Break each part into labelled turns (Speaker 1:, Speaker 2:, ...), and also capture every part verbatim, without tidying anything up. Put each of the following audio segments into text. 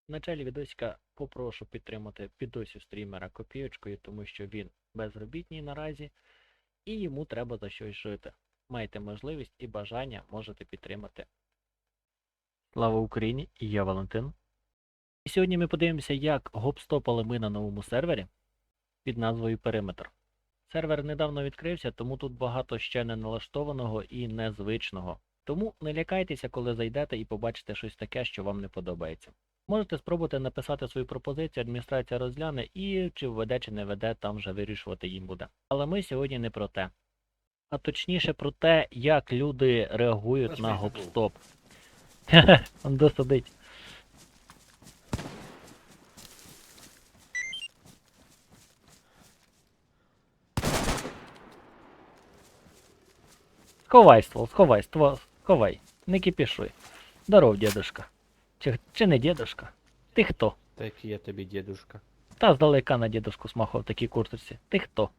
Speaker 1: В началі відосика попрошу підтримати підосів стрімера копійочкою, тому що він безробітний наразі і йому треба за щось жити. Маєте можливість і бажання можете підтримати. Слава Україні! І я Валентин. І сьогодні ми подивимося, як гопстопали ми на новому сервері під назвою Периметр. Сервер недавно відкрився, тому тут багато ще не налаштованого і незвичного. Тому не лякайтеся, коли зайдете і побачите щось таке, що вам не подобається. Можете спробувати написати свою пропозицію, адміністрація розгляне і чи введе, чи не веде, там вже вирішувати їм буде. Але ми сьогодні не про те. А точніше про те, як люди реагують на гопстоп. Хе-хе, он досадить. Сховай ствол, сховай, ствол, сховай. Не кипішуй. Здоров, дедушка. Чи, чи не дедушка? Ти хто?
Speaker 2: Так я тобі, дедушка.
Speaker 1: Та здалека на дедушку смахав в такій курточці. Ти хто?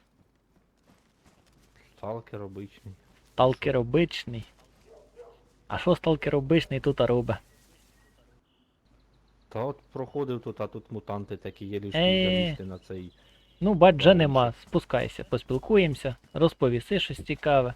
Speaker 2: Сталкер обичний.
Speaker 1: Сталкер обичний. А що сталкер обичний тут робить?
Speaker 2: Та от проходив тут, а тут мутанти такі є лишні
Speaker 1: Е.
Speaker 2: залізти на цей.
Speaker 1: Ну, бач, вже
Speaker 2: Бачиш.
Speaker 1: нема. Спускайся, поспілкуємося, розповіси щось цікаве.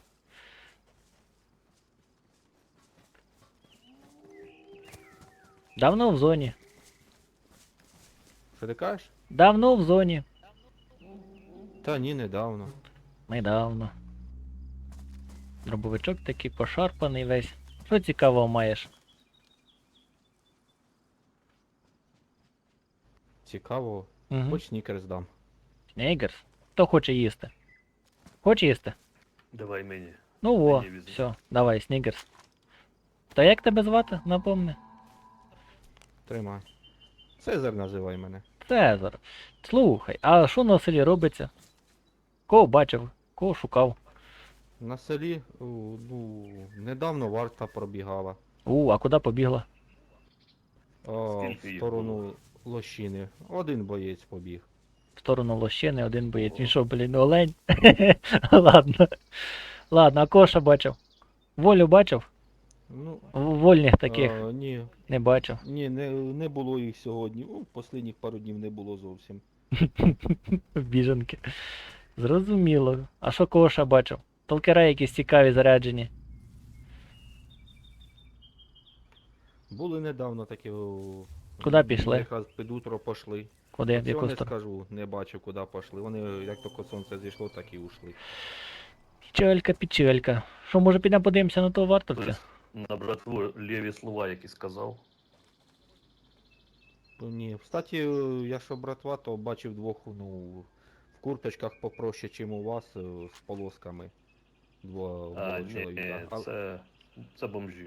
Speaker 1: Давно в зоні.
Speaker 2: Що ти кажеш?
Speaker 1: Давно в зоні.
Speaker 2: Та ні, недавно.
Speaker 1: Недавно. Дробовичок такий пошарпаний весь. Що цікавого маєш?
Speaker 2: Цікаво.
Speaker 1: Угу.
Speaker 2: Хоч снікерс дам.
Speaker 1: Снігерс? Хто хоче їсти? Хоче їсти?
Speaker 3: Давай мені.
Speaker 1: Ну во,
Speaker 3: Мені візьми.
Speaker 1: все, давай, снігерс. Та як тебе звати, напомни?
Speaker 2: Тримай. Цезар називай мене.
Speaker 1: Цезар. Слухай, а що на селі робиться? Кого бачив? Кого шукав?
Speaker 2: На селі, о, ну, недавно варта пробігала.
Speaker 1: У, а куди побігла?
Speaker 2: О,
Speaker 3: Скільки
Speaker 2: в
Speaker 3: їх
Speaker 2: сторону лощини. Один боєць побіг.
Speaker 1: В сторону лощини, один боєць. Він що, блін, олень? Ладно. Ладно, а кого ще бачив? Волю бачив?
Speaker 2: Ну,
Speaker 1: В- Вольних таких
Speaker 2: а, ні,
Speaker 1: не бачив.
Speaker 2: ні, не, не було їх сьогодні. Ну, останніх пару днів не було зовсім.
Speaker 1: Біженки. Зрозуміло. А що кого ще бачив? Толкера якісь цікаві заряджені.
Speaker 2: Були недавно такі. о,
Speaker 1: Куди
Speaker 2: м,
Speaker 1: пішли?
Speaker 2: Якраз під утро пошли.
Speaker 1: Куди, в
Speaker 2: Цього
Speaker 1: яку
Speaker 2: не
Speaker 1: сторону?
Speaker 2: скажу, не бачив, куди пішли. Вони як тільки сонце зійшло, так і ушли.
Speaker 1: Печелька, печелька. Що, може підемо подивимося на того вартовця?
Speaker 3: Хтось на братву лєві слова які сказав.
Speaker 2: Ну, ні. Кстати, е, якщо братва, то бачив двох, ну, в курточках попроще, чим у вас, е, з полосками. Два
Speaker 3: А,
Speaker 2: було
Speaker 3: ні,
Speaker 2: чоловіка. А-
Speaker 3: це, це бомжі.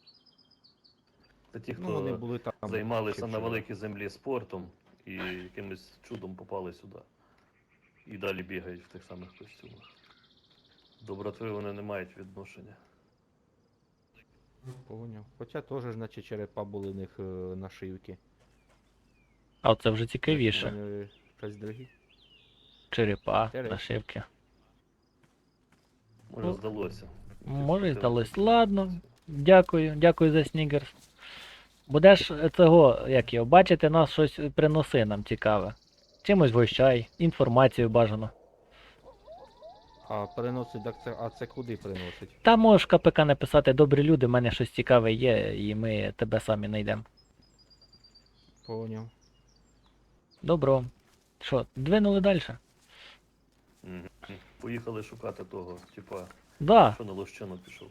Speaker 3: Це ті,
Speaker 2: Ну, вони
Speaker 3: хто
Speaker 2: були там.
Speaker 3: займалися
Speaker 2: ще
Speaker 3: на
Speaker 2: вчора.
Speaker 3: великій землі спортом і якимось чудом попали сюди. І далі бігають в тих самих костюмах. До братви вони не мають відношення.
Speaker 2: Поняв. Хоча теж, значить, черепа були в них е, нашивки.
Speaker 1: А це вже цікавіше.
Speaker 2: Вони щось дорогі.
Speaker 1: Черепа,
Speaker 2: Інтересно.
Speaker 1: нашивки.
Speaker 3: Може
Speaker 1: Ну,
Speaker 3: здалося.
Speaker 1: Може і
Speaker 3: Ти
Speaker 1: здалось.
Speaker 3: що,
Speaker 1: Ладно. Дякую, дякую за снігерс. Будеш е, цього, як його, бачити нас щось приноси нам цікаве. Чимось вгощай, інформацію бажано.
Speaker 2: А переносить, так це, а це куди приносить?
Speaker 1: Та можеш КПК написати, добрі люди, в мене щось цікаве є, і ми тебе самі знайдемо.
Speaker 2: Поняв.
Speaker 1: Добро. Що, двинули далі?
Speaker 3: Мгм. Поїхали шукати того, типа,
Speaker 1: Да.
Speaker 3: що на лощину пішов.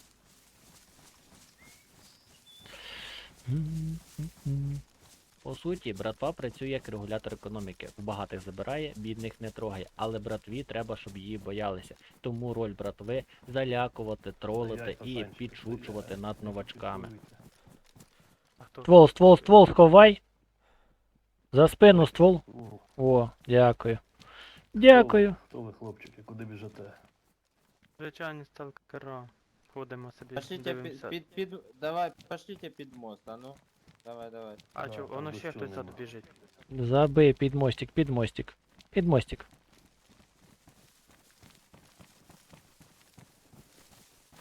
Speaker 1: По суті, братва працює як регулятор економіки. В багатих забирає, бідних не трогає. Але братві треба, щоб її боялися. Тому роль братви залякувати, тролити і підшучувати над новачками. Ствол, ствол, ствол, сховай. За спину ствол. О, дякую. Дякую.
Speaker 3: Хто ви, хлопчики, куди біжите?
Speaker 4: Звичайні сталкера. Ходимо собі,
Speaker 5: Пошлите під,
Speaker 4: дивимося.
Speaker 5: під, під, давай, пошлите під мост, а ну. Давай, давай.
Speaker 4: А
Speaker 3: Да,
Speaker 4: чо,
Speaker 3: там
Speaker 4: воно
Speaker 3: дощу
Speaker 4: ще хтось
Speaker 3: нема.
Speaker 4: тут біжить.
Speaker 1: Забий під мостик, під мостик. Під мостик.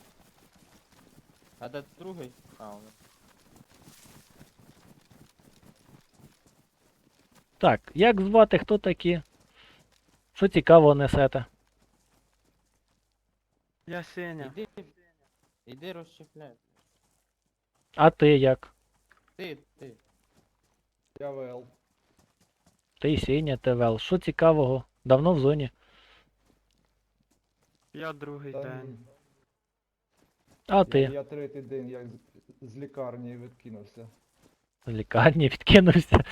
Speaker 5: А де другий? А, воно.
Speaker 1: Так, як звати, хто такі? Що цікавого несете?
Speaker 4: Я Сеня.
Speaker 5: Іди, іди розщепляй.
Speaker 1: А ти як?
Speaker 5: Ти, ти.
Speaker 2: Я ВЛ.
Speaker 1: Ти Сеня, ТВЛ. Що цікавого? Давно в зоні?
Speaker 4: Я другий день.
Speaker 1: А
Speaker 6: Я,
Speaker 1: ти?
Speaker 6: я третій день як з, з лікарні відкинувся.
Speaker 1: В лікарні відкинувся.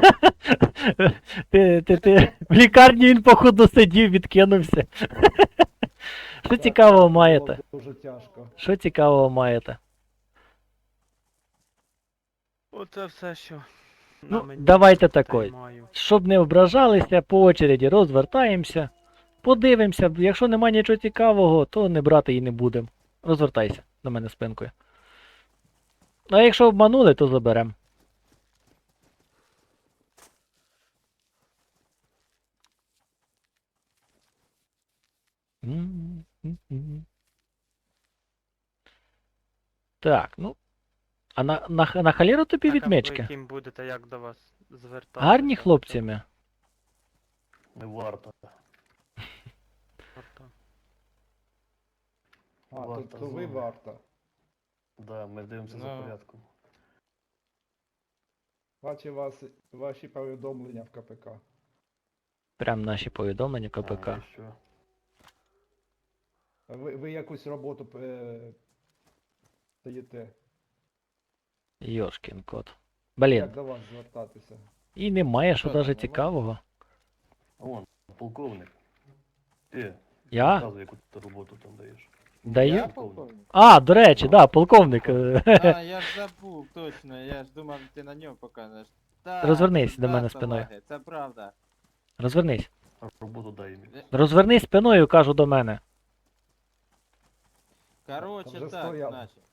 Speaker 1: ти, ти, ти. В лікарні він, походу, сидів, відкинувся. Що
Speaker 6: Так,
Speaker 1: цікавого
Speaker 6: було
Speaker 1: маєте?
Speaker 6: Дуже тяжко.
Speaker 1: Що цікавого маєте?
Speaker 4: Оце все, що на
Speaker 1: Ну,
Speaker 4: мені,
Speaker 1: давайте
Speaker 4: те й
Speaker 1: такой.
Speaker 4: маю.
Speaker 1: Щоб не ображалися, по очереді розвертаємося. Подивимося, якщо немає нічого цікавого, то не брати і не будемо. Розвертайся до мене спинкою. А якщо обманули, то заберемо. Так, ну. А на, на, на халіру тобі
Speaker 4: Так, а ви
Speaker 1: відмички?
Speaker 4: яким будете, як до вас звертатися?
Speaker 1: Гарні хлопцями.
Speaker 3: Не варто.
Speaker 4: Тобто,
Speaker 6: А, то,
Speaker 3: Варта
Speaker 6: то ви
Speaker 3: зона.
Speaker 6: варта.
Speaker 3: Да, ми дивимося за
Speaker 5: Ну.
Speaker 3: порядком.
Speaker 6: Бачу вас, ваші повідомлення в КПК.
Speaker 1: Прям наші повідомлення КПК.
Speaker 3: А, і що?
Speaker 6: Ви, ви якусь роботу е, даєте.
Speaker 1: Йошкін кот. Блін,
Speaker 6: Як до вас звертатися?
Speaker 1: і немає, що
Speaker 5: Що там,
Speaker 1: даже
Speaker 5: немає?
Speaker 1: цікавого.
Speaker 3: Вон, полковник. Ти,
Speaker 1: Я?
Speaker 3: розказуй, яку ти роботу там даєш.
Speaker 1: Даю?
Speaker 5: Я полковник?
Speaker 1: А, до речі, да, полковник. е,
Speaker 5: А, я ж забув, точно, я ж думав, ти на нього покажеш. Так,
Speaker 1: Розвернись до
Speaker 5: да,
Speaker 1: мене спиною.
Speaker 5: салаги, це правда.
Speaker 1: Розвернись.
Speaker 3: А роботу дай мені.
Speaker 1: Розвернись спиною, кажу до мене.
Speaker 5: Короче,
Speaker 6: Там вже
Speaker 5: так,
Speaker 6: стояв.
Speaker 5: значить.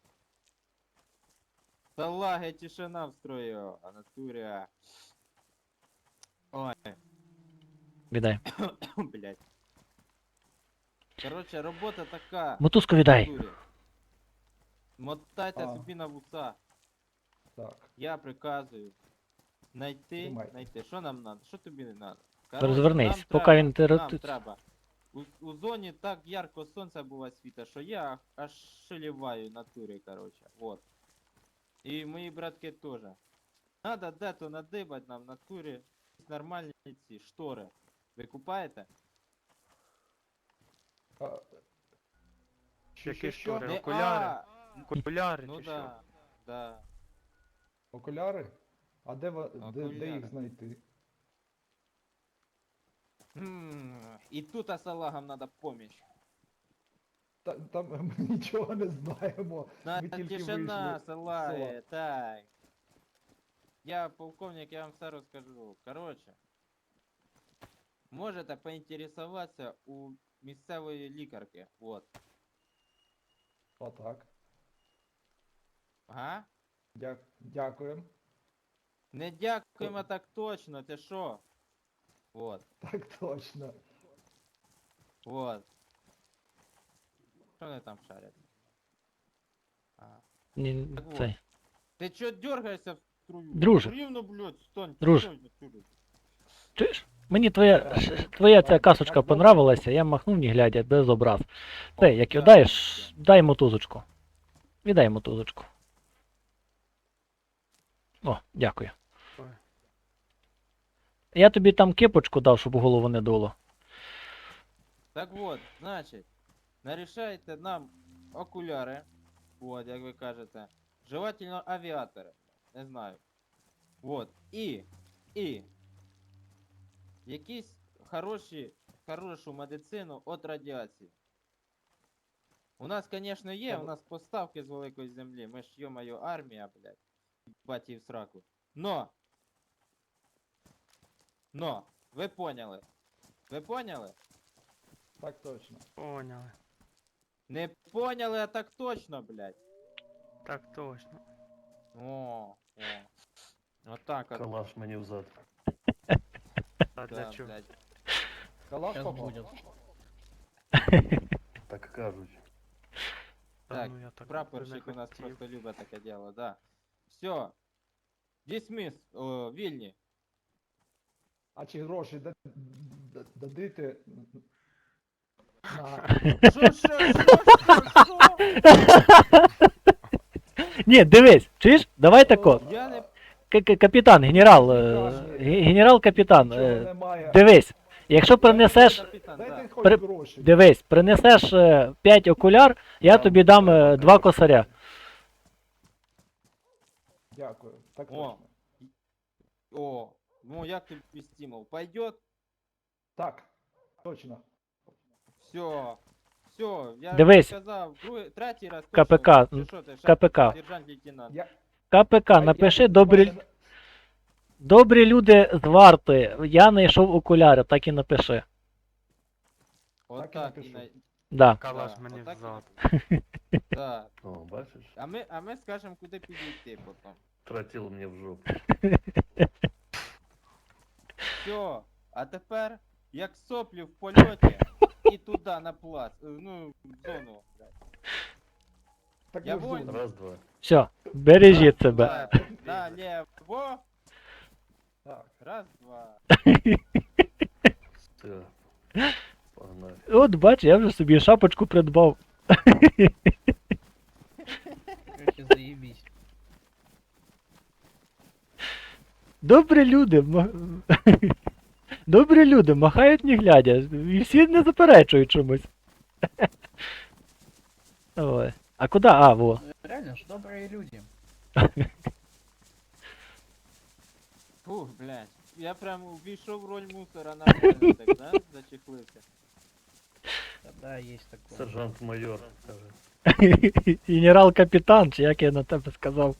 Speaker 5: Салаги, тишина в строю, а натуря. Ой,
Speaker 1: Віддай.
Speaker 5: блядь. Короче, робота така.
Speaker 1: Мотузку віддай.
Speaker 5: натурі. Мотайте
Speaker 6: А.
Speaker 5: собі на вуса.
Speaker 6: Так.
Speaker 5: Я приказую. Найти,
Speaker 6: Тримай.
Speaker 5: найти. Що нам надо? Що тобі не надо?
Speaker 1: Розвернись,
Speaker 5: нам
Speaker 1: поки
Speaker 5: треба,
Speaker 1: він те
Speaker 5: Нам
Speaker 1: роз-
Speaker 5: треба. У, у зоні так ярко сонце буває світа, що я аж шеліваю натурі, короче. Вот. І мої братки теж. Надо де-то надибать нам в натурі нормальні ці штори. Ви купаєте?
Speaker 6: А, що,
Speaker 4: Які
Speaker 6: що, що?
Speaker 4: штори?
Speaker 5: Не,
Speaker 4: окуляри?
Speaker 5: а,
Speaker 4: Окуляри
Speaker 5: Ну
Speaker 4: чи що?
Speaker 5: да, да.
Speaker 6: Окуляри? А де, ва- де, де
Speaker 5: Окуляри.
Speaker 6: їх знайти?
Speaker 5: М, І тут асалагам надо поміч.
Speaker 6: Та, там ми нічого не знаємо.
Speaker 5: На
Speaker 6: Ми тільки
Speaker 5: тишина,
Speaker 6: вийшли з
Speaker 5: салаги,
Speaker 6: села.
Speaker 5: так. Я полковник, я вам все розкажу. Короче. Можете поінтересуватися у місцевої лікарки. Вот.
Speaker 6: Отак.
Speaker 5: Ага.
Speaker 6: Дя, дякуємо.
Speaker 5: Не дякуємо так точно, ти що? Вот.
Speaker 6: Так точно.
Speaker 5: Вот. Що вони там шарять? А.
Speaker 1: Ні,
Speaker 5: Так вот.
Speaker 1: цей.
Speaker 5: Ти чо дергаєшся в струю?
Speaker 1: Друже.
Speaker 5: Рівно, блядь, стань.
Speaker 1: Друже.
Speaker 5: стань отсюда.
Speaker 1: Чуєш? Мені твоя, ш- твоя ця касочка понравилася, я махнув не глядя, без образ. Ти, як
Speaker 5: да,
Speaker 1: даєш, дай мотузочку. Віддай мотузочку. О, дякую.
Speaker 4: Ой.
Speaker 1: Я тобі там кепочку дав, щоб у голову не дуло.
Speaker 5: Так вот, значить, нарішайте нам окуляри, от, як ви кажете, желательно авіатори, не знаю. Вот, і, і, якісь хороші, хорошу медицину від радіації. У нас, звісно, є, у нас поставки з великої землі, ми ж, йо-моє, армія, блядь, бать в сраку. Но, но, ви поняли, ви поняли?
Speaker 6: Так точно.
Speaker 4: Поняли.
Speaker 5: Не поняли, а так точно, блядь.
Speaker 4: Так точно.
Speaker 5: О, о. Отак от.
Speaker 3: Калаш мені взад.
Speaker 4: А для
Speaker 5: Да,
Speaker 4: чого?
Speaker 5: блядь.
Speaker 6: Калаш
Speaker 1: Щас
Speaker 6: попав?
Speaker 1: буде.
Speaker 3: Так кажуть.
Speaker 4: Та
Speaker 5: Так,
Speaker 4: ну я так
Speaker 5: Прапорщик
Speaker 4: не
Speaker 5: у нас
Speaker 4: хотів.
Speaker 5: просто любить таке діло, да. Все. Дисміс, о, вільні.
Speaker 6: А чи гроші да- да- дадите на...
Speaker 5: Що, що, що, що, що?
Speaker 1: Ні, дивись, чуєш? Давай тако.
Speaker 5: Я не...
Speaker 1: К- к- Капітан, генерал, е,
Speaker 6: Кажуть,
Speaker 1: ге- генерал-капітан,
Speaker 6: Нічого
Speaker 1: е,
Speaker 6: немає.
Speaker 1: дивись, якщо принесеш,
Speaker 5: Капітан,
Speaker 6: Дайте
Speaker 5: да.
Speaker 6: хоч
Speaker 1: при-
Speaker 6: гроші.
Speaker 1: дивись, принесеш п'ять окуляр, я
Speaker 3: Там
Speaker 1: тобі дам
Speaker 3: треба
Speaker 1: е, два
Speaker 3: гроші.
Speaker 1: косаря.
Speaker 6: Дякую. Так
Speaker 5: О.
Speaker 6: точно.
Speaker 5: О, ну як тобі стимул? Пойдет?
Speaker 6: Так, точно.
Speaker 5: Все. Все, я
Speaker 1: Дивись.
Speaker 5: сказав, другий, третій раз
Speaker 1: КПК,
Speaker 5: точно.
Speaker 1: м,
Speaker 5: Чи що ти,
Speaker 1: КПК.
Speaker 5: Сержант лейтенант.
Speaker 6: Я,
Speaker 1: КПК,
Speaker 6: я-
Speaker 1: напиши
Speaker 6: я
Speaker 1: добрі,
Speaker 6: просто-
Speaker 1: добрі люди з варти. Я знайшов окуляри, так і напиши.
Speaker 5: Отак
Speaker 6: і
Speaker 5: і
Speaker 6: напишу.
Speaker 5: на...
Speaker 1: Да.
Speaker 4: Калаш
Speaker 5: Да,
Speaker 4: мені
Speaker 5: отак і
Speaker 4: взад.
Speaker 5: Да.
Speaker 3: О, бачиш?
Speaker 5: А ми, а ми скажемо, куди підійти потім.
Speaker 3: Тратило мені в жопу.
Speaker 5: Все. А тепер, як соплі в польоті, і туди на плац, е, ну, в зону. блядь.
Speaker 6: Так
Speaker 5: Я
Speaker 6: ви ж
Speaker 5: воїн.
Speaker 6: думали.
Speaker 3: Раз, два.
Speaker 1: Все, бережіть себе.
Speaker 5: Да, налево.
Speaker 6: Так.
Speaker 5: Раз, два.
Speaker 3: Все. Погнали.
Speaker 1: От бач, я вже собі шапочку придбав.
Speaker 7: Короче, заебись.
Speaker 1: Добрі люди. ма- Добрі люди, махають не глядя. І всі не заперечують чомусь. Ой. А куди? А, во.
Speaker 7: Реально ж добрые люди.
Speaker 5: Фух, блядь. Я прям увійшов в роль мусора нормально так, да? Зачехлився.
Speaker 7: Да, есть такое.
Speaker 3: Сержант-майор каже.
Speaker 1: Генерал-капітан, чи як я на тебе сказав.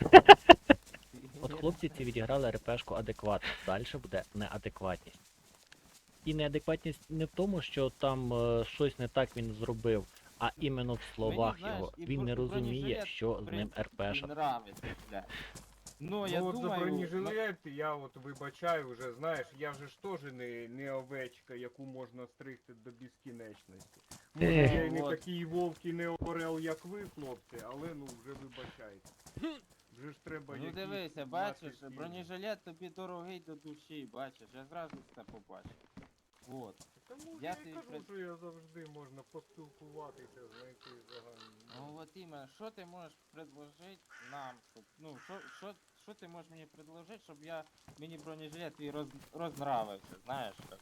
Speaker 1: От хлопці ці відіграли РПшку адекватно, далі буде неадекватність. І неадекватність не в тому, що там е, щось не так він зробив, а іменно в словах
Speaker 5: знаєш,
Speaker 1: його.
Speaker 5: і
Speaker 1: Він
Speaker 5: бро-
Speaker 1: не розуміє,
Speaker 5: бронежилет,
Speaker 1: що з
Speaker 5: Блін,
Speaker 1: ним
Speaker 5: мені
Speaker 1: РПшать.
Speaker 5: нравиться, блядь. Ну, я
Speaker 8: ну, от за
Speaker 5: думаю...
Speaker 8: бронежилет, я от вибачаю вже, знаєш, я вже ж теж не, не овечка, яку можна стригти до безкінечності. Може,
Speaker 1: Ех.
Speaker 8: я й не
Speaker 5: Вот.
Speaker 8: такий вовк і не орел, як ви, хлопці, але ну вже вибачайте. Вже ж треба
Speaker 5: Ну
Speaker 8: якісь
Speaker 5: дивися,
Speaker 8: мати
Speaker 5: бачиш,
Speaker 8: ці-
Speaker 5: бронежилет тобі дорогий до душі, бачиш, я зразу це побачив. Вот.
Speaker 8: Тому
Speaker 5: Я
Speaker 8: я,
Speaker 5: тобі
Speaker 8: і кажу,
Speaker 5: пред-
Speaker 8: що я завжди можна поспілкуватися, знайти загальну.
Speaker 5: Ну от іменно, що ти можеш предложити нам, щоб, ну, що, що, що ти можеш мені предложити, щоб я, мені бронежилет твій роз, рознравився, знаєш, як?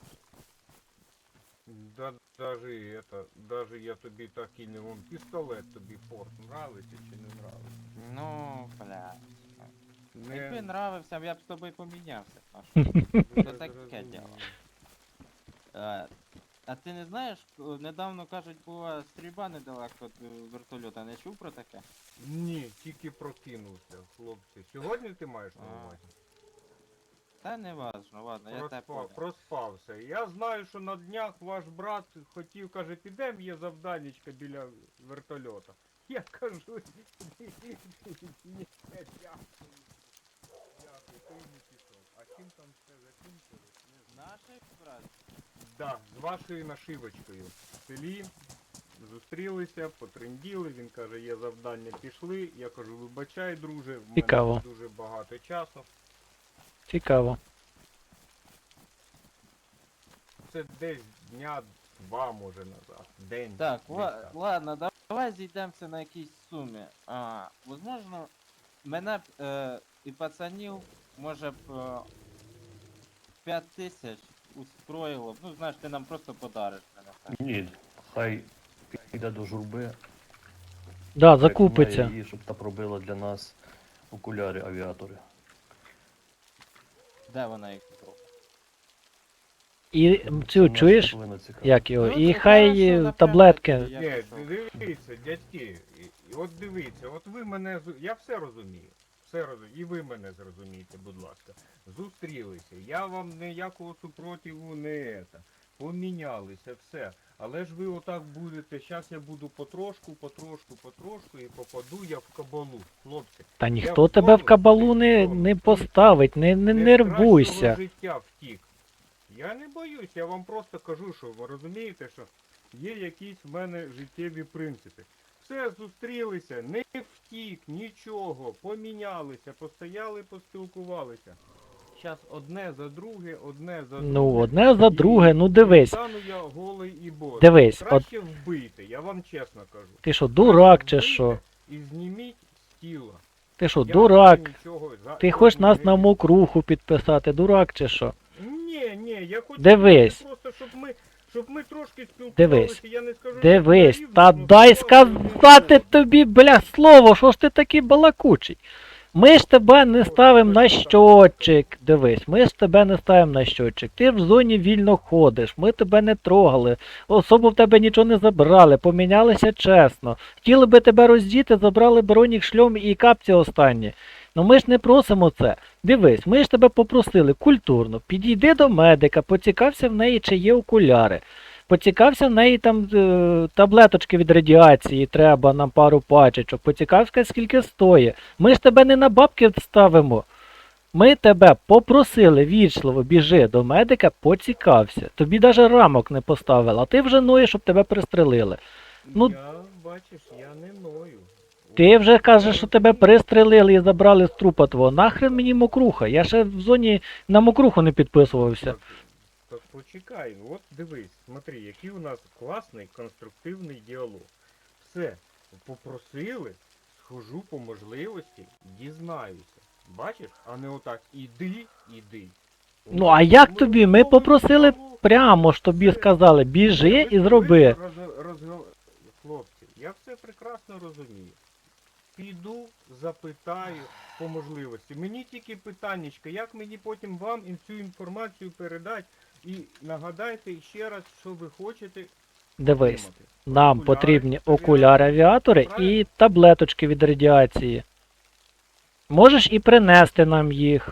Speaker 8: Да, даже это, даже я тобі так і не вон пістолет тобі форт нравиться чи не нравиться?
Speaker 5: Ну, бля.
Speaker 8: Не,
Speaker 5: Якби нравився, я б з тобою помінявся. а що?
Speaker 8: не
Speaker 5: це таке
Speaker 8: зрозумів.
Speaker 5: діло. А, а ти не знаєш, о, недавно кажуть, була стрільба недалеко від е, вертольота, не чув про таке?
Speaker 8: Ні, тільки прокинувся, хлопці. Сьогодні ти маєш на
Speaker 5: А,
Speaker 8: увазі?
Speaker 5: Та не важно, ладно, я тебе
Speaker 8: Проспав,
Speaker 5: понял.
Speaker 8: проспався. Я знаю, що на днях ваш брат хотів, каже, підем, є завданечка біля вертольота. Я кажу, ні, ні, дякую. Дякую, то й не пішов. А чим там все закінчилось, не знаю.
Speaker 5: Наших брат?
Speaker 8: Да, з вашою нашивочкою. В селі зустрілися, потренділи, він каже, є завдання, пішли. Я кажу, вибачай, друже, в мене
Speaker 1: Цікаво.
Speaker 8: дуже багато часу.
Speaker 1: Цікаво.
Speaker 8: Це десь дня два, може, назад. День.
Speaker 5: Так,
Speaker 8: десь
Speaker 5: ла-
Speaker 8: так.
Speaker 5: ладно, да- давай зійдемося на якійсь сумі. А, возможно, мене б е, і пацанів, може б е, п'ять тисяч устроїло б. Ну, знаєш, ти нам просто подариш мене. Так.
Speaker 3: Ні, хай піде до журби.
Speaker 1: Да,
Speaker 3: переконає
Speaker 1: закупиться.
Speaker 3: її, щоб та пробила для нас окуляри авіатори.
Speaker 5: Де вона їх купила?
Speaker 1: І м,
Speaker 3: Це
Speaker 1: цю
Speaker 3: нас
Speaker 1: чуєш?
Speaker 3: повинно цікавити.
Speaker 1: Як його?
Speaker 5: Ну,
Speaker 1: І
Speaker 5: це
Speaker 1: хай
Speaker 5: хорошо,
Speaker 1: е,
Speaker 5: напевно,
Speaker 1: таблетки.
Speaker 5: тоді, я
Speaker 8: Ні,
Speaker 5: пішов.
Speaker 8: дивіться, дядьки, і- і от дивіться, от ви мене, з- я все розумію, все розумію, і ви мене зрозумієте, будь ласка. Зустрілися, я вам ніякого супротиву не ета, помінялися, все. Але ж ви отак будете, зараз я буду потрошку, потрошку, потрошку і попаду я в кабалу, хлопці.
Speaker 1: Та
Speaker 8: Я
Speaker 1: ніхто тебе в
Speaker 8: втомився,
Speaker 1: кабалу не,
Speaker 8: втомився.
Speaker 1: не поставить, не, не
Speaker 8: Не з
Speaker 1: нервуйся.
Speaker 8: кращого життя втік. Я не боюсь, я вам просто кажу, що ви розумієте, що є якісь в мене життєві принципи. Все, зустрілися, не втік, нічого, помінялися, постояли, поспілкувалися. зараз одне за друге, одне за
Speaker 1: Ну,
Speaker 8: друге.
Speaker 1: одне за
Speaker 8: І-
Speaker 1: друге, ну
Speaker 8: і
Speaker 1: дивись.
Speaker 8: стану я голий і босий.
Speaker 1: Дивись, от
Speaker 8: Краще вбити, я вам чесно кажу.
Speaker 1: ти що, дурак чи
Speaker 8: Краще
Speaker 1: що?
Speaker 8: вбийте І зніміть з тіла.
Speaker 1: Ти що,
Speaker 8: Я
Speaker 1: дурак?
Speaker 8: вже нічого за-
Speaker 1: Ти хочеш
Speaker 8: не-
Speaker 1: нас
Speaker 8: не-
Speaker 1: на мокруху підписати, дурак чи що?
Speaker 8: Ні, ні, я хочу
Speaker 1: Дивись.
Speaker 8: сказати просто, щоб ми, щоб ми трошки спілкувалися,
Speaker 1: Дивись.
Speaker 8: я не скажу, що
Speaker 1: Дивись,
Speaker 8: на рівні,
Speaker 1: та
Speaker 8: ну,
Speaker 1: дай
Speaker 8: спілкуватися
Speaker 1: сказати
Speaker 8: один з
Speaker 1: тобі, бля, слово, що ж ти такий балакучий? Ми ж тебе не ставимо на щотчик, дивись, ми ж тебе не ставимо на щотчик. Ти в зоні вільно ходиш, ми тебе не трогали, особу в тебе нічого не забрали, помінялися чесно. Хотіли би тебе роздіти, забрали бронік, шльом і капці останні. Ну ми ж не просимо це. Дивись, ми ж тебе попросили культурно, підійди до медика, поцікався в неї, чи є окуляри. Поцікався в неї там е, таблеточки від радіації, треба нам пару пачечок. Поцікався, скільки стоїть. Ми ж тебе не на бабки ставимо. Ми тебе попросили вічливо, біжи до медика, поцікався. Тобі навіть рамок не поставили, а ти вже ноєш, щоб тебе пристрелили. Ну-
Speaker 8: Я, бачиш, я не ною.
Speaker 1: Ти вже кажеш, що тебе пристрелили і забрали з трупа твого. Нахрен мені мокруха? Я ще в зоні на мокруху не підписувався.
Speaker 8: Так, так почекай, ну от дивись, смотри, який у нас класний конструктивний діалог. Все, попросили, схожу по можливості, дізнаюся. Бачиш, а не отак іди, іди. У
Speaker 1: Ну
Speaker 8: нас
Speaker 1: а як
Speaker 8: ми
Speaker 1: тобі? Ми
Speaker 8: розмовний
Speaker 1: попросили
Speaker 8: діалог.
Speaker 1: прямо ж тобі
Speaker 8: Все.
Speaker 1: сказали,
Speaker 8: Ні,
Speaker 1: біжи
Speaker 8: ви
Speaker 1: і
Speaker 8: ж-
Speaker 1: зроби.
Speaker 8: ви ж роз- розго- Хлопці, я все прекрасно розумію. Піду, запитаю по можливості. Мені тільки питаннячка, як мені потім вам ін- цю інформацію передати і нагадайте ще раз, що ви хочете
Speaker 1: Дивись,
Speaker 8: отримати.
Speaker 1: нам
Speaker 8: Окуляри,
Speaker 1: потрібні
Speaker 8: авіатори.
Speaker 1: окуляри авіатори і
Speaker 8: Правильно?
Speaker 1: таблеточки від радіації. Можеш і принести нам їх.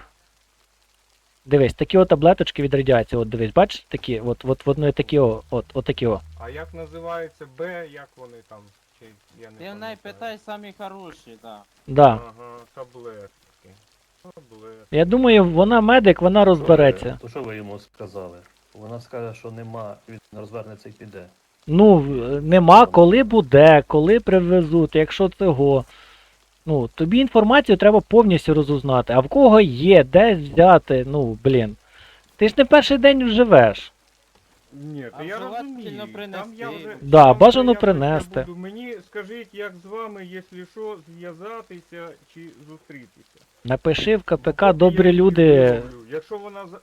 Speaker 1: Дивись, такі от таблеточки від радіації, от дивись, бачиш, такі, от, от, вони такі, о, от, от такі о.
Speaker 8: А як називається Б, як вони там? Чи я не
Speaker 5: Ти в неї
Speaker 8: пам'ятаю.
Speaker 5: питай самі хороші, да.
Speaker 1: Да.
Speaker 8: Ага, таблетки. Таблетки.
Speaker 1: Я думаю, вона медик, вона розбереться.
Speaker 3: То що ви йому сказали? Вона скаже, що нема, він розвернеться і піде.
Speaker 1: Ну, в- нема, коли буде, коли привезуть, якщо цього. Ну, тобі інформацію треба повністю розузнати. А в кого є, де взяти, ну, блін. Ти ж не перший день живеш.
Speaker 8: Ні,
Speaker 5: А
Speaker 8: то я
Speaker 5: желательно
Speaker 8: розумію. Там
Speaker 5: принести.
Speaker 8: я вже,
Speaker 1: Да,
Speaker 8: там
Speaker 1: бажано
Speaker 8: вже якось я
Speaker 1: принести.
Speaker 8: буду. Мені скажіть, як з вами, якщо що, зв'язатися чи зустрітися.
Speaker 1: Напиши в КПК
Speaker 8: Поки
Speaker 1: добрі
Speaker 8: я її
Speaker 1: люди.
Speaker 8: зроблю. Якщо вона за...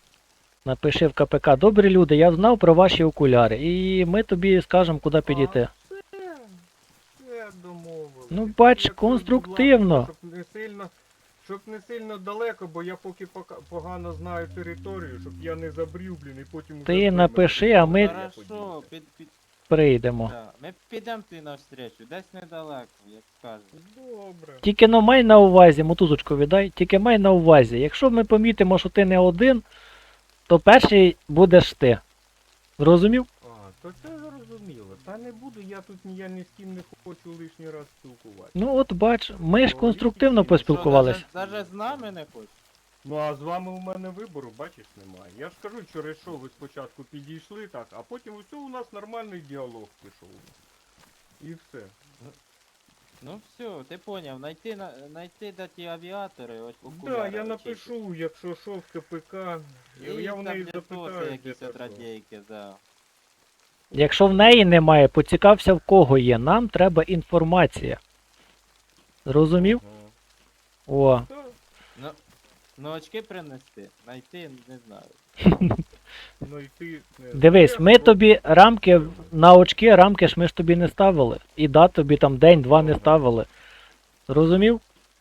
Speaker 1: Напиши в КПК добрі люди, я знав про ваші окуляри. І ми тобі скажемо, куди підійти.
Speaker 8: А, все, все домовились.
Speaker 1: Ну, бач,
Speaker 8: Якщо, будь
Speaker 1: конструктивно.
Speaker 8: ласка, Щоб не сильно, щоб не сильно далеко, бо я поки пока- погано знаю територію, щоб я не забрів, блін, і потім... уже
Speaker 1: Ти
Speaker 8: ви мене
Speaker 1: напиши, а ми-
Speaker 8: подивитесь.
Speaker 5: Хорошо, під, під,
Speaker 1: Прийдемо.
Speaker 5: да. Ми підемо ти навстречу, десь недалеко, як кажуть.
Speaker 8: Добре.
Speaker 1: Тільки но май на увазі, мотузочку віддай, тільки май на увазі. Якщо ми помітимо, що ти не один, то перший будеш ти. Зрозумів?
Speaker 8: А, то це зрозуміло. Та не буду, я тут ні, я ні з ким не хочу лишній раз спілкуватися.
Speaker 1: Ну от бач, ми ж
Speaker 8: Ну,
Speaker 1: конструктивно
Speaker 8: що,
Speaker 1: поспілкувались.
Speaker 5: Що, даже, даже з нами не хочеш?
Speaker 8: Ну а з вами у мене вибору, бачиш, немає. Я ж кажу, через що ви спочатку підійшли так, а потім усе у нас нормальний діалог пішов. І все.
Speaker 5: Ну все, ти поняв, найти, на, найти де ті авіатори, ось
Speaker 8: Так,
Speaker 5: окуляри.
Speaker 8: да, я
Speaker 5: очисти.
Speaker 8: напишу, якщо що в КПК. Я,
Speaker 5: І
Speaker 8: я в неї
Speaker 5: таблетоси
Speaker 8: запитаю, де
Speaker 5: якісь
Speaker 8: та
Speaker 5: от
Speaker 8: що.
Speaker 5: радійки, да.
Speaker 1: Якщо в неї немає, поцікався в кого є. Нам треба інформація. Зрозумів?
Speaker 8: Ага.
Speaker 1: О.
Speaker 8: Так.
Speaker 5: Ну очки принести, найти, не знаю.
Speaker 8: Ну і ти... не
Speaker 1: Дивись,
Speaker 8: знаєш,
Speaker 1: ми
Speaker 8: бо-
Speaker 1: тобі рамки на очки, рамки ж ми ж тобі не ставили. І да, тобі там день-два не ставили. Зрозумів?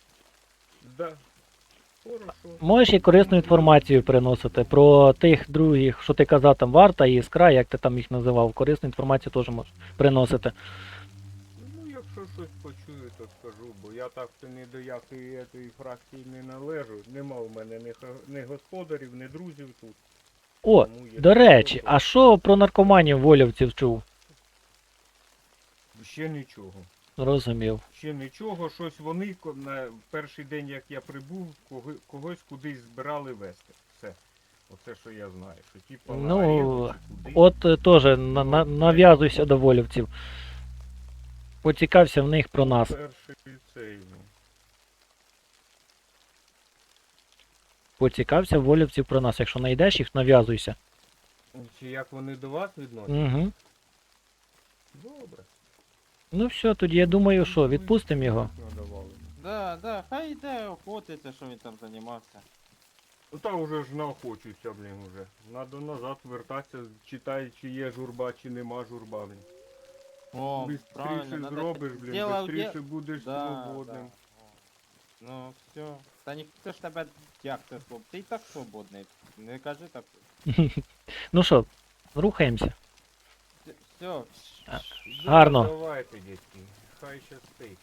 Speaker 8: Да. Хорошо.
Speaker 1: Можеш і корисну інформацію приносити про тих других, що ти казав, там варта і іскра, як ти там їх називав. Корисну інформацію теж можеш приносити.
Speaker 8: Ну, якщо щось почую, то скажу, бо я так то ні до якої етої фракції не належу. Нема в мене ні, ха- ні господарів, ні друзів тут.
Speaker 1: О,
Speaker 8: Тому, якщо
Speaker 1: до речі,
Speaker 8: що,
Speaker 1: а що про наркоманів волівців чув?
Speaker 8: то ще нічого.
Speaker 1: Зрозумів.
Speaker 8: Ще нічого, щось вони ко- на перший день, як я прибув, кого- когось кудись збирали вести. Все. Оце, що я знаю. Що типу на
Speaker 1: Ну,
Speaker 8: арену чи куди.
Speaker 1: От е, теж на, на, нав'язуйся до волівців. Поцікався в них про нас.
Speaker 8: Перший цей. ну.
Speaker 1: Поцікався в волівців про нас, якщо знайдеш їх, нав'язуйся.
Speaker 8: Чи як вони до вас відносяться?
Speaker 1: Угу.
Speaker 8: Добре.
Speaker 1: Ну все, тоді я думаю, що, відпустимо його.
Speaker 8: Надавали.
Speaker 5: Да, да, хай йде охотиться, що він там займався.
Speaker 8: Ну та вже ж наохочуюся, блін, уже. Надо назад вертатися, читай, чи є журба, чи нема журба, блін.
Speaker 5: О, правильно,
Speaker 8: Бистріше
Speaker 5: надо...
Speaker 8: зробиш, блін,
Speaker 5: Діло в
Speaker 8: бистріше
Speaker 5: де-
Speaker 8: будеш
Speaker 5: Да,
Speaker 8: свободним.
Speaker 5: да. Ну, все. Та ніхто ж тебе як ти своб... Ти і так свободний. Не кажи так.
Speaker 1: Ну що, рухаємося.
Speaker 5: Все.
Speaker 1: А, Гарно.
Speaker 8: Давайте, дітки, хай щастить.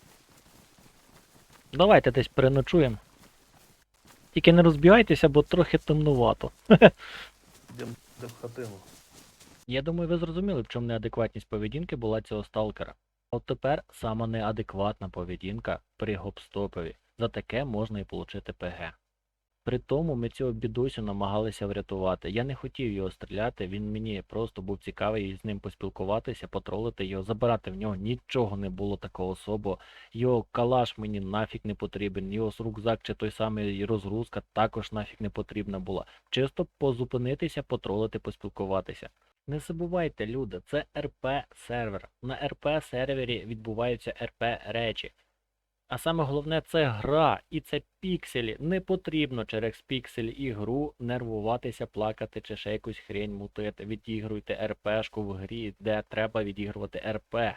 Speaker 1: Давайте десь переночуємо. Тільки не розбігайтеся, бо трохи темнувато.
Speaker 3: Йдемо в хатину.
Speaker 1: Я думаю, ви зрозуміли, в чому неадекватність поведінки була цього сталкера. От тепер сама неадекватна поведінка при гоп-стопові. За таке можна і получити ПГ. При тому ми цього бідосю намагалися врятувати. Я не хотів його стріляти, він мені просто був цікавий з ним поспілкуватися, потролити його, забирати в нього нічого не було такого особо. Його калаш мені нафіг не потрібен, його рюкзак чи той самий розгрузка також нафіг не потрібна була. Чисто позупинитися, потролити, поспілкуватися. Не забувайте, люди, це ар пі сервер. На ар пі сервері відбуваються ар пі речі. А саме головне це гра і це пікселі. Не потрібно через пікселі ігру нервуватися, плакати чи ще якусь хрень мутити. Відігруйте ар пешку в грі, де треба відігрувати ар пі.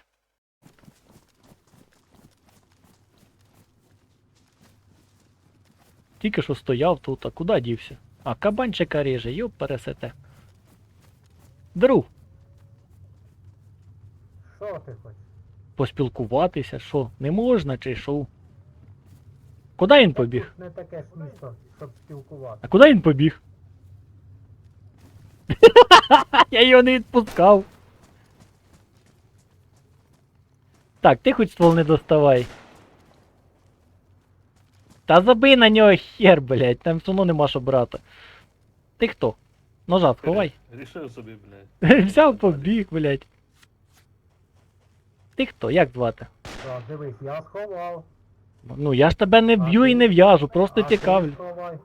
Speaker 1: Тільки що стояв тут, а куди дівся? А, кабанчика ріже, йоп пересете. Друг,
Speaker 6: Що ти хочеш?
Speaker 1: поспілкуватися, що, не можна чи що? Куди він побіг?
Speaker 6: Тут не таке ж місто, щоб спілкувати.
Speaker 1: А куди він побіг? Я його не відпускав. Так, ти хоч ствол не доставай. Та забий на нього хер, блядь, там все одно нема що брати. Ти хто? Ножа сховай.
Speaker 3: Рішив собі, блядь.
Speaker 1: Взяв побіг, блядь. Ти хто? Як звати?
Speaker 6: Що, дивись, я сховав.
Speaker 1: Ну я ж тебе не
Speaker 6: А
Speaker 1: б'ю і
Speaker 6: ти?
Speaker 1: не в'яжу, просто
Speaker 6: А ти
Speaker 1: цікавлю.
Speaker 6: сховай.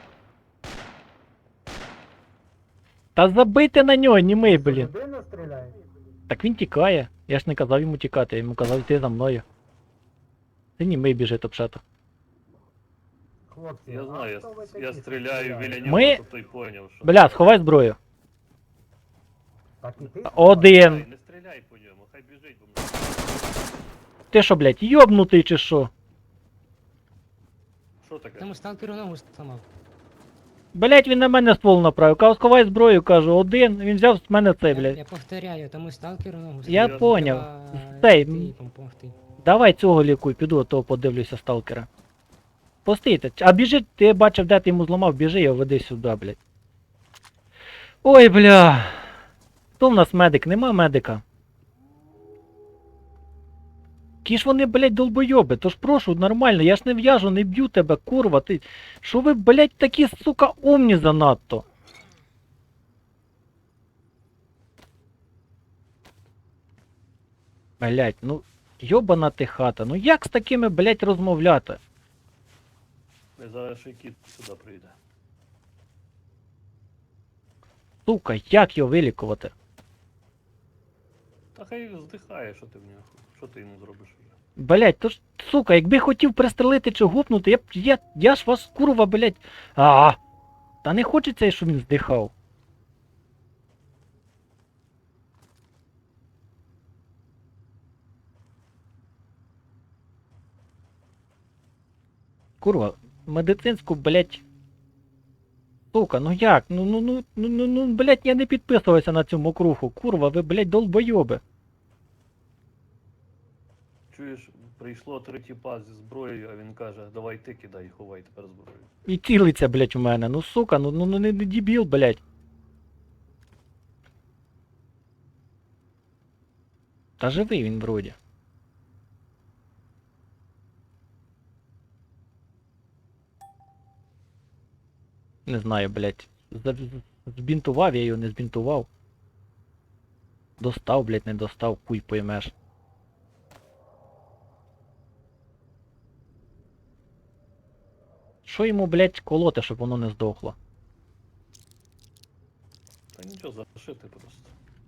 Speaker 1: Та забийте на нього, німий,
Speaker 6: Що,
Speaker 1: блін.
Speaker 6: людина стріляє?
Speaker 1: Так він тікає. Я ж не казав йому тікати, я йому казав йти за мною. Ти німий біжить обшето.
Speaker 6: Хлопці,
Speaker 3: Я
Speaker 6: а
Speaker 3: знаю,
Speaker 6: хто ви
Speaker 3: я,
Speaker 6: такі,
Speaker 3: я
Speaker 6: що
Speaker 3: стріляю
Speaker 6: стріляєте?
Speaker 3: біля нього,
Speaker 1: Ми-
Speaker 3: щоб той поняв, що...
Speaker 1: Бля, сховай зброю.
Speaker 6: Так і ти?
Speaker 1: Один.
Speaker 3: Ай, не стріляй по ньому, хай біжить, бо мене...
Speaker 1: Ти що, блядь, йобнутий чи що?
Speaker 3: Що таке?
Speaker 9: Тому сталкеру ногу сломав.
Speaker 1: Блядь, він на мене ствол направив. Кажу, сховай зброю, кажу, один. Він взяв з мене цей,
Speaker 9: Я,
Speaker 1: блядь.
Speaker 9: я повторяю, тому сталкеру ногу
Speaker 1: Я
Speaker 3: Я
Speaker 1: поняв.
Speaker 9: Треба
Speaker 1: Цей,
Speaker 9: йти
Speaker 1: м,
Speaker 9: і допомогти.
Speaker 1: давай цього лікуй, піду, а то подивлюся сталкера. Постійте. А біжи, ти бачив, де ти йому зламав, біжи його веди сюди, блядь. Ой, бля. Хто в нас медик? Нема медика. Які ж вони, блядь, долбойоби, тож прошу, нормально, я ж не в'яжу, не б'ю тебе, курва, ти. Що ви, блядь, такі, сука, умні занадто? Блядь, ну, йобана ти хата, ну як з такими, блядь, розмовляти?
Speaker 3: Не зараз ще й кіт сюди прийде.
Speaker 1: Сука, як його вилікувати?
Speaker 3: Та хай здихає, що ти в нього. Що ти йому зробиш вже?
Speaker 1: Блять, то ж, сука, якби хотів пристрелити чи гупнути, я б, я, я ж вас, курва, блять, а, та не хочеться, щоб він здихав. Курва, медицинську, блять. Сука, ну як? Ну, ну, ну, ну, ну, ну, блять, я не підписувався на цю мокруху. Курва, ви, блять, долбойоби.
Speaker 3: Чуєш, прийшло три тіпа зі зброєю, а він каже, давай ти кидай і ховай тепер зброю.
Speaker 1: І цілиться, блять, у мене. Ну, сука, ну, ну, ну не, не дебіл, блять. Та живий він вроді. Не знаю, блять. Збінтував я його, не збінтував. Достав, блять, не достав, куй поймеш. Що йому, блядь, колоти, щоб воно не здохло?
Speaker 3: Та нічого, зашити просто.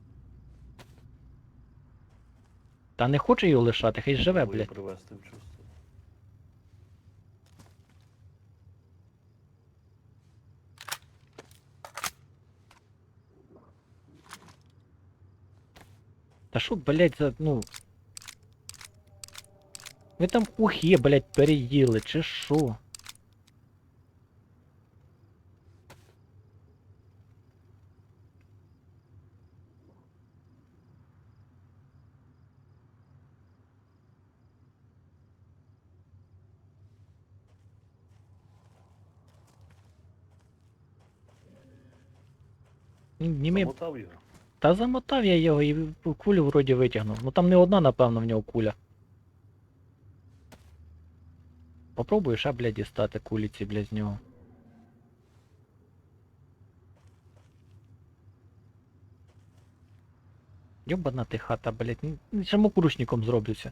Speaker 1: Та не хочу його лишати, хай живе,
Speaker 3: Спробую
Speaker 1: блядь.
Speaker 3: привести в чувство.
Speaker 1: Та що, блядь, за, ну... Ви там ухи, блядь, переїли, чи що? Німи...
Speaker 3: Замотав його.
Speaker 1: Та замотав я його і в- кулю вроді витягнув. Ну там не одна, напевно, в нього куля. Попробую ще, блядь, дістати кулі ці, блядь, з нього. Йобана ти хата, блядь, ну, самокрушником зроблюся.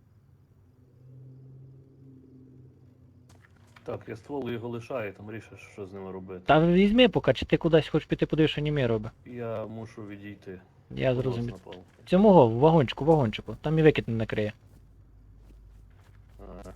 Speaker 3: Так, я ствол його лишаю, там рішиш, що з ними робити.
Speaker 1: Та візьми поки, чи ти кудись хочеш піти, подивись, що Німей робить.
Speaker 3: Я мушу відійти.
Speaker 1: Я
Speaker 3: Волос
Speaker 1: зрозумів.
Speaker 3: на палку.
Speaker 1: Цьому в вагончику, вагончику. Там і викид не накриє.
Speaker 3: Ага.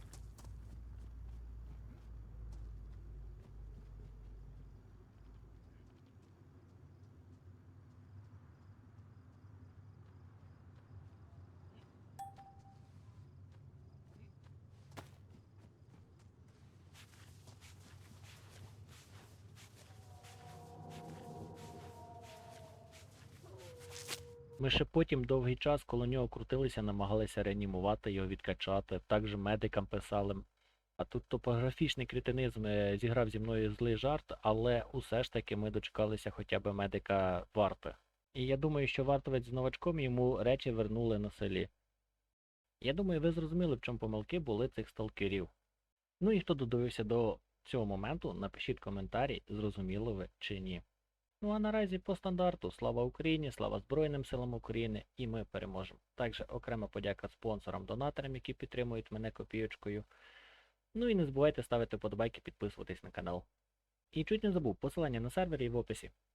Speaker 1: Ми ще потім довгий час коло нього крутилися, намагалися реанімувати його, відкачати. Також медикам писали. А тут топографічний кретинизм е, зіграв зі мною злий жарт, але усе ж таки ми дочекалися хоча б медика варти. І я думаю, що вартовець з новачком йому речі вернули на селі. Я думаю, ви зрозуміли, в чому помилки були цих сталкерів. Ну і хто додивився до цього моменту, напишіть коментарі, зрозуміло ви чи ні. Ну а наразі по стандарту слава Україні, слава Збройним силам України, і ми переможемо. Також окрема подяка спонсорам-донаторам, які підтримують мене копійочкою. Ну і не забувайте ставити вподобайки, підписуватись на канал. І чуть не забув, посилання на сервері в описі.